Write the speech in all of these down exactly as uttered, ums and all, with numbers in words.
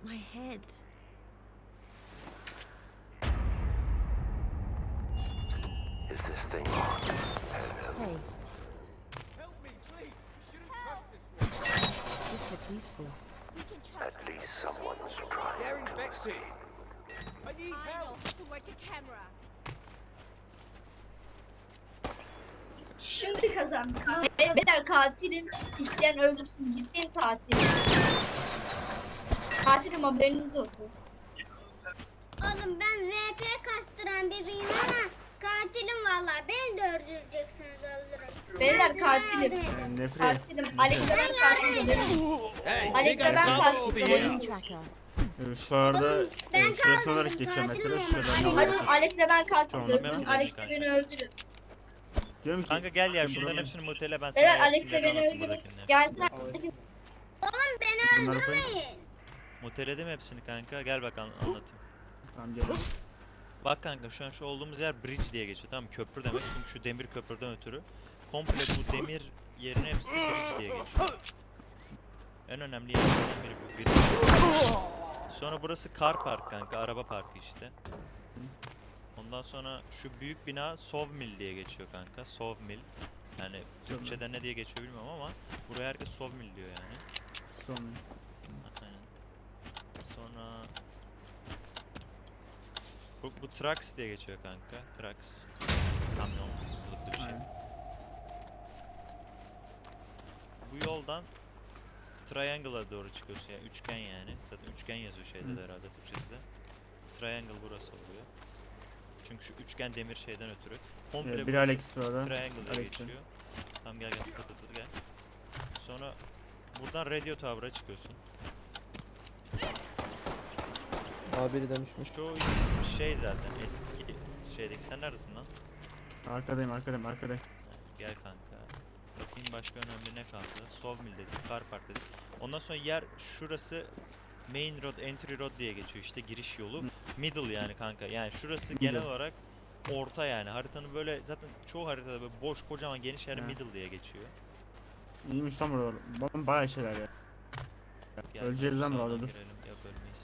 My head. Is this thing on? Hey, Help me, please. You shouldn't trust this one. this looks useful. We can trust At least someone's trying They're to infected. escape. I need I know help. how to work a camera. Şimdi kazandık. Beyler katilim. İsteyen öldürsün. Ciddiyim katilim. Katilim haberiniz olsun. Oğlum ben V P kastıran biriyim ama katilim vallahi. Beni de öldüreceksiniz öldürün. Beyler Ben size katilim. yardım edeyim. Yani nefret. Katilim. Alex'e ben katilim. Hey, Alex'e ben katilim. Deploying tracker. Ee, Şu arada Ben e, şurası kaldım, olarak geçiyor katilim mesela. ama. Şuradan Hadi alalım. Alex'le ben katilim. Tamam, Öldürün. ben Alex'le öldüreyim beni öldürün. Diyorum ki Kanka gel ya ben şunların buranın- hepsini mutele ben sana Beyler hepsini Alex'le beni anlatayım öldürün. buradakini. Gelsin herkes. Oğlum beni Bunları koyun. öldürmeyin. Muteledim hepsini kanka gel bak an- anlatayım. Tamam gel. Bak kanka şu an şu olduğumuz yer bridge diye geçiyor tamam mı? Köprü demek çünkü şu demir köprüden ötürü komple bu demir yerine hepsi bridge diye geçiyor. En önemli yerlerden biri bu bridge. Sonra burası car park kanka araba parkı işte. Ondan sonra şu büyük bina Sawmill diye geçiyor kanka. Sawmill. Yani Türkçe'de ne diye geçiyor bilmiyorum ama buraya herkes Sawmill diyor yani. Sonra. Aynen. Sonra bu, bu Trucks diye geçiyor kanka. Trucks. Kamyon kılıklı bir şey. Aynen. Bu yoldan Triangle'a doğru çıkıyorsun yani üçgen yani. Zaten üçgen yazıyor şeyde de herhalde Türkçesi de. Triangle burası oluyor. Çünkü şu üçgen demir şeyden ötürü. Komple Evet, bir burası Alex bu arada. Triangle'a Alex'e. geçiyor. Tamam gel gel tut tut tut, gel. Sonra buradan Radio Tower'a çıkıyorsun. Abiri dönüşmüş. Çoğu şey zaten eski şeydeki. Sen neredesin lan? Arkadayım arkadayım arkadayım. Ha, gel kanka. Bakayım başka önemli ne kaldı? Sawmill dedik, Car Park dedik. Ondan sonra yer şurası Main Road, Entry Road diye geçiyor işte giriş yolu. Middle yani kanka. Yani şurası genel Middle. olarak orta yani. Haritanın böyle zaten çoğu haritada böyle boş kocaman geniş yer Ha. middle diye geçiyor. İyiymiş lan buralar. Ba- Bayağı şeyler ya. Gel, Öleceğiz lan bu sağdan arada, dur. girelim. Yok ölmeyiz.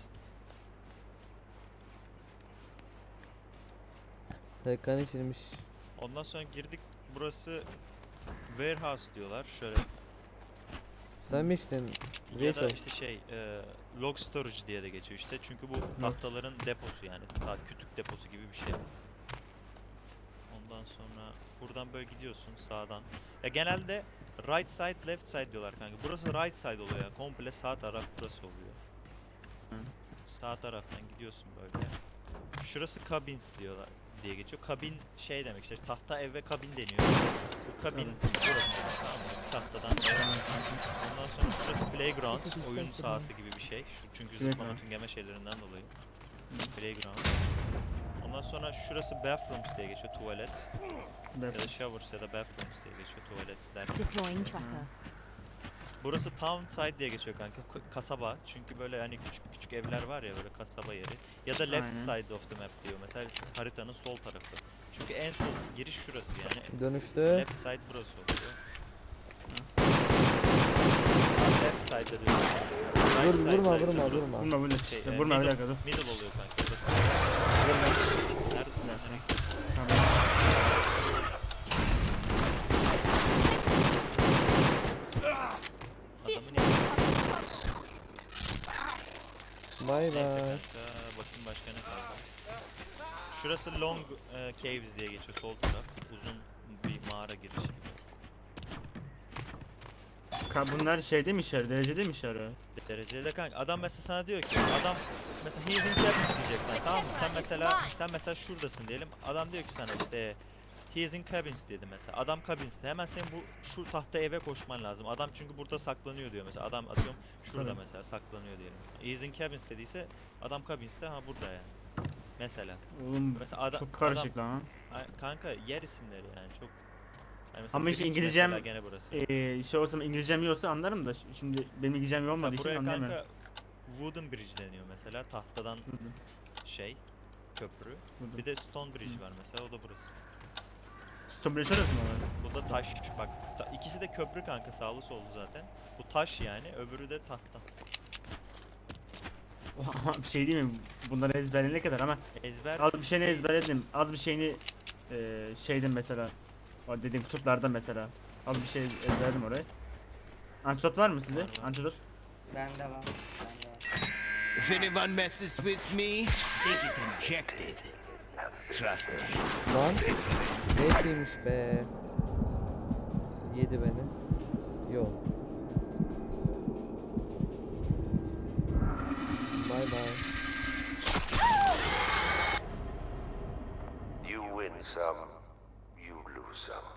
Serkan içilmiş. Ondan sonra girdik. Burası warehouse diyorlar. Şöyle Sen mi içtin? ya da Jason. işte şey e, log storage diye de geçiyor işte. Çünkü bu tahtaların deposu yani. Ta kütük deposu gibi bir şey. Ondan sonra buradan böyle gidiyorsun sağdan. Ya genelde right side left side diyorlar kanka. Burası right side oluyor ya. Komple sağ taraf burası oluyor. Hı. Sağ taraftan gidiyorsun böyle. Şurası cabins diyorlar diye geçiyor. Kabin şey demek işte tahta ev ve kabin deniyor. Bu kabin burası tamam mı? Tahtadan. Ondan sonra şurası playground, This would be oyun safe sahası gibi bir şey. Şu çünkü Playground. zıplama tüngeme şeylerinden dolayı. Playground. Ondan sonra şurası bathrooms diye geçiyor, tuvalet. Ya da showers ya da bathrooms diye geçiyor, tuvaletler. Deploying tracker. Burası town side diye geçiyor kanka, k- kasaba. Çünkü böyle hani küçük küçük evler var ya böyle kasaba yeri. Ya da left Aynen. side of the map diyor mesela haritanın sol tarafı. Çünkü en sol giriş şurası yani. Dönüştü. Left side burası oluyor. Left side'da diyor. Vur, Right side vurma burası. vurma Burası vurma. Vurma vurma. Şey, Ya e, vurma bir middle, dakika dur. middle oluyor kanka. Burası. Neredesin lan? Nereye Tamam. Adamın yanına. Bay Neyse bay. kanka bakayım başka ne kaldı. Şurası Long e, Caves diye geçiyor sol taraf. Uzun bir mağara girişi gibi. Ka- Bunlar şeyde mi işler? Derecede mi işler ya? Dereceli de kanka adam mesela sana diyor ki adam mesela he's in cabins diyeceksin tamam mı? Sen mesela sen mesela şuradasın diyelim. Adam diyor ki sana işte he's in cabins dedi mesela. Adam cabins'te. Hemen senin bu şu tahta eve koşman lazım. Adam çünkü burada saklanıyor diyor mesela. Adam atıyorum şurada Evet. mesela saklanıyor diyelim. He's in cabins dediyse adam cabins'te ha burada yani. Mesela. Oğlum Mesela adam çok karışık lan. adam- Ay, kanka yer isimleri yani çok. Yani mesela Ama işte benim için İngilizcem- mesela gene burası. Ee, şey olsam İngilizcem iyi olsa anlarım da ş- şimdi benim İngilizcem iyi olmadığı Mesela için buraya anlayamıyorum. kanka Wooden Bridge deniyor mesela tahtadan Hı hı. şey köprü. Burada. Bir de Stone Bridge var mesela o da burası. Stombre şurası mı var? Bu da taş bak ta- ikisi de köprü kanka sağlı sollu zaten. Bu taş yani öbürü de tahta. bir şey değil mi? Bunları ezberleyene kadar ama Ezber az bir şeyini ezberledim. Az bir şeyini e, şeyden mesela. O dediğim kutulardan mesela. Az bir şey ezberledim orayı. Antidote var mı sizde? Antidote. Bende var. Bende var. If anyone messes with me, they get injected. Trust me. Lan. Neymiş be. Yedi beni. Yok. Bay bay. You win some, you lose some.